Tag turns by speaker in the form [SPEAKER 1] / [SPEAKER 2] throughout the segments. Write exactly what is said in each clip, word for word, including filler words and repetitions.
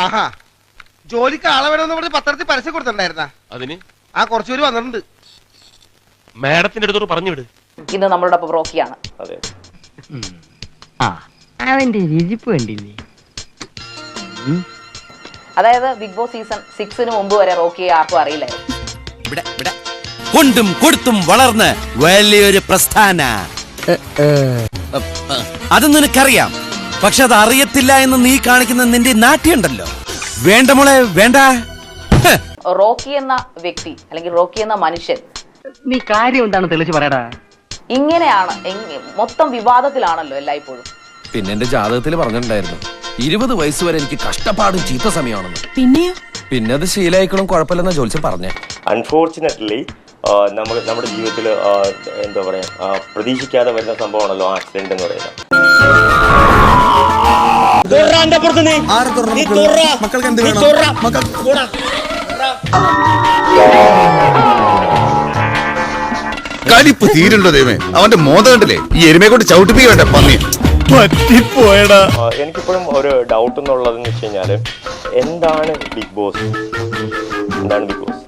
[SPEAKER 1] ആഹാ, ജോലിക്ക് ആളെ വേണമെന്ന് പറഞ്ഞ് പത്രത്തിൽ പരസ്യം കൊടുത്തിട്ടുണ്ടായിരുന്ന
[SPEAKER 2] അതിന്
[SPEAKER 1] ആ കുറച്ചുപേര് വന്നിട്ടുണ്ട്.
[SPEAKER 2] മാഡത്തിന്റെ അടുത്തോട് പറഞ്ഞു വിട്.
[SPEAKER 3] ഇന്ന് നമ്മളുടെ റോക്കിയാണ്.
[SPEAKER 2] അതെ,
[SPEAKER 4] അവന്റെ രുചിപ്പ് കണ്ടില്ലേ?
[SPEAKER 3] അതായത് ബിഗ് ബോസ് സീസൺ സിക്സിന് മുമ്പ് വരെ റോക്കിയെ ആർക്കും അറിയില്ലായിരുന്നു.
[SPEAKER 5] കൊണ്ടും കൊടുത്തും വളർന്ന് വലിയൊരു പ്രസ്ഥാന. അത് നിനക്കറിയാം, പക്ഷെ അത് അറിയത്തില്ല എന്ന് നീ കാണിക്കുന്ന നിന്റെ നാട്യമുണ്ടല്ലോ. വേണ്ട മോളെ വേണ്ട.
[SPEAKER 3] റോക്കി എന്ന വ്യക്തി അല്ലെങ്കിൽ റോക്കി എന്ന മനുഷ്യൻ
[SPEAKER 4] നീ കാര്യം എന്താണ് തെളിച്ച് പറയടാ.
[SPEAKER 3] ഇങ്ങനെയാണ്, മൊത്തം വിവാദത്തിലാണല്ലോ എല്ലായ്പ്പോഴും.
[SPEAKER 5] പിന്നെ എന്റെ ജാതകത്തിൽ പറഞ്ഞിട്ടുണ്ടായിരുന്നു ഇരുപത് വയസ്സ് വരെ എനിക്ക് കഷ്ടപ്പാടും ചീത്ത സമയമാണെന്ന്.
[SPEAKER 6] പിന്നെയോ
[SPEAKER 5] പിന്നെ അത് ശീലായിക്കളും കുഴപ്പമില്ലെന്ന ജോലിച്ച് പറഞ്ഞേ.
[SPEAKER 2] അൺഫോർച്ചുനേറ്റ്ലി നമ്മൾ നമ്മുടെ ജീവിതത്തിൽ എന്താ പറയാ പ്രതീക്ഷിക്കാതെ വരുന്ന സംഭവമാണല്ലോ ആക്സിഡന്റ് എന്ന് പറയുന്നത്.
[SPEAKER 7] കലിപ്പ് തീരുണ്ടോ ദൈവമേ, അവന്റെ മോത കണ്ടില്ലേ? ഈ എരുമയെ കൊണ്ട് ചവിട്ടിപ്പിക്കണ്ട പന്നി പറ്റിപ്പോയടാ.
[SPEAKER 2] എനിക്കിപ്പോഴും ഒരു ഡൗട്ട് എന്നുള്ളതെന്ന് വെച്ച് കഴിഞ്ഞാല് എന്താണ് ബിഗ് ബോസ്, എന്താണ് ബിഗ് ബോസ്?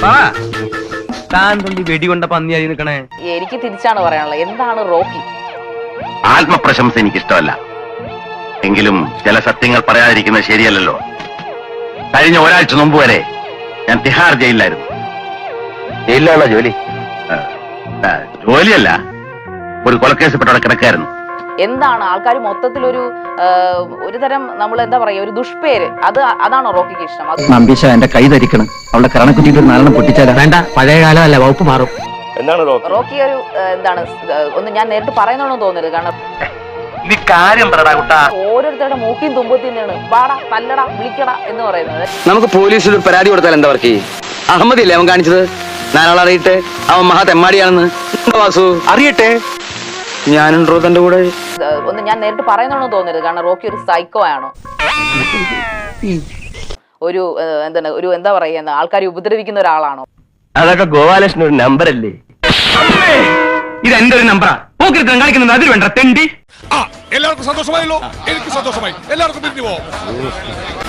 [SPEAKER 4] വെടികൊണ്ട പന്നിയായി നിൽക്കണേ.
[SPEAKER 3] എനിക്ക് തിരിച്ചാണ് പറയാനുള്ളത്, എന്താണ് റോക്കി?
[SPEAKER 8] ആത്മപ്രശംസ എനിക്കിഷ്ടമല്ല, എങ്കിലും ചില സത്യങ്ങൾ പറയാതിരിക്കുന്നത് ശരിയല്ലല്ലോ. കഴിഞ്ഞ ഒരാഴ്ച മുമ്പ് വരെ ഞാൻ തിഹാർ ജയിലിലായിരുന്നു. ജയിലിലാണോ ജോലി? ജോലിയല്ല, ഒരു കൊലക്കേസപ്പെട്ടവിടെ കിടക്കായിരുന്നു.
[SPEAKER 3] എന്താണ് ആൾക്കാർ മൊത്തത്തിൽ ഒരു ഒരു തരം നമ്മൾ എന്താ പറയാ ഒരു ദുഷ്പേര്, അത് അതാണോ റോക്കിക്ക് ഇഷ്ടം?
[SPEAKER 4] നമ്പീശ എന്റെ കൈ ധരിക്കണം, അവളുടെ കരണക്കുറ്റിട്ട് ഒരു നാലെണ്ണം പൊട്ടിച്ചാൽ വേണ്ട. പഴയ കാലമല്ല, വകുപ്പ് മാറും.
[SPEAKER 2] എന്താണ് റോക്കി?
[SPEAKER 3] റോക്കി ഒരു എന്താണ് ഒന്ന് ഞാൻ നേരിട്ട് പറയുന്നതാണെന്ന് തോന്നരുത്, കാരണം ഓരോരുത്തരുടെ മൂക്കിയും തുമ്പത്തിൽ നിന്നാണ് വാടാ തല്ലടാ വിളിക്കടാ എന്ന് പറയുന്നത്.
[SPEAKER 4] നമുക്ക് പോലീസിൽ ഒരു പരാതി കൊടുത്താൽ എന്താ വർക്ക്? അഹമ്മദില്ലേ അവൻ കാണിച്ചത്? നാലാൾ അറിയട്ടെ അവൻ മഹാ തെമ്മാടിയാണെന്ന്. വാസു അറിയട്ടെ, ഞാനുണ്ടോ തന്റെ കൂടെ?
[SPEAKER 3] ഒന്ന് ഞാൻ നേരിട്ട് പറയുന്നതാണെന്ന് തോന്നരുത്, കാരണം റോക്കി ഒരു സൈക്കോ ആണോ, ഒരു എന്താണ് ഒരു എന്താ പറയുക ആൾക്കാരെ ഉപദ്രവിക്കുന്ന ഒരാളാണോ?
[SPEAKER 4] അതൊക്കെ ഗോപാലകൃഷ്ണൻ ഒരു നമ്പർ അല്ലേ? ഇത് എന്റെ ഒരു നമ്പറാ. കളിക്കുന്നത് അതിൽ വേണ്ട തെണ്ടി.
[SPEAKER 7] എല്ലാവർക്കും സന്തോഷമായല്ലോ, എനിക്ക് സന്തോഷമായി. എല്ലാവർക്കും പിരിഞ്ഞു പോവാം.